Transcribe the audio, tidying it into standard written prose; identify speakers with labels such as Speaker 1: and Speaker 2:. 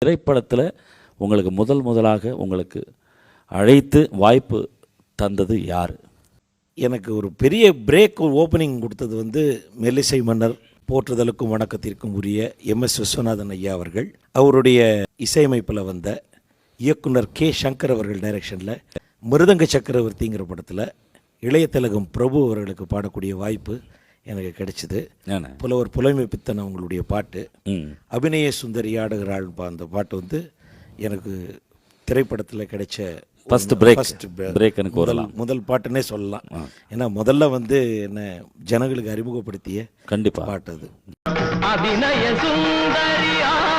Speaker 1: திரைப்படத்தில் உங்களுக்கு முதலாக உங்களுக்கு அழைத்து வாய்ப்பு தந்தது யார்?
Speaker 2: எனக்கு ஒரு பெரிய பிரேக் ஓப்பனிங் கொடுத்தது வந்து மெல்லிசை மன்னர் போற்றுதலுக்கும் வணக்கத்திற்கும் உரிய MS விஸ்வநாதன் ஐயா அவர்கள். அவருடைய இசையமைப்பில் வந்த இயக்குனர் K. சங்கர் அவர்கள் டைரக்ஷனில் மிருதங்க சக்கரவர்த்திங்கிற படத்தில் இளைய திலகம் பிரபு அவர்களுக்கு பாடக்கூடிய வாய்ப்பு எனக்கு கிடைச்சிது. புலவர் புலமை பித்தன் அவங்களுடைய பாட்டு அபிநய சுந்தரி ஆடுகிறாள், அந்த பாட்டு வந்து எனக்கு திரைப்படத்தில் கிடைச்ச முதல் பாட்டுன்னே சொல்லலாம். ஏன்னா முதல்ல வந்து என்ன ஜனங்களுக்கு அறிமுகப்படுத்திய
Speaker 1: கண்டிப்பாக
Speaker 2: பாட்டு அது.
Speaker 3: அபிநய சுந்தரியா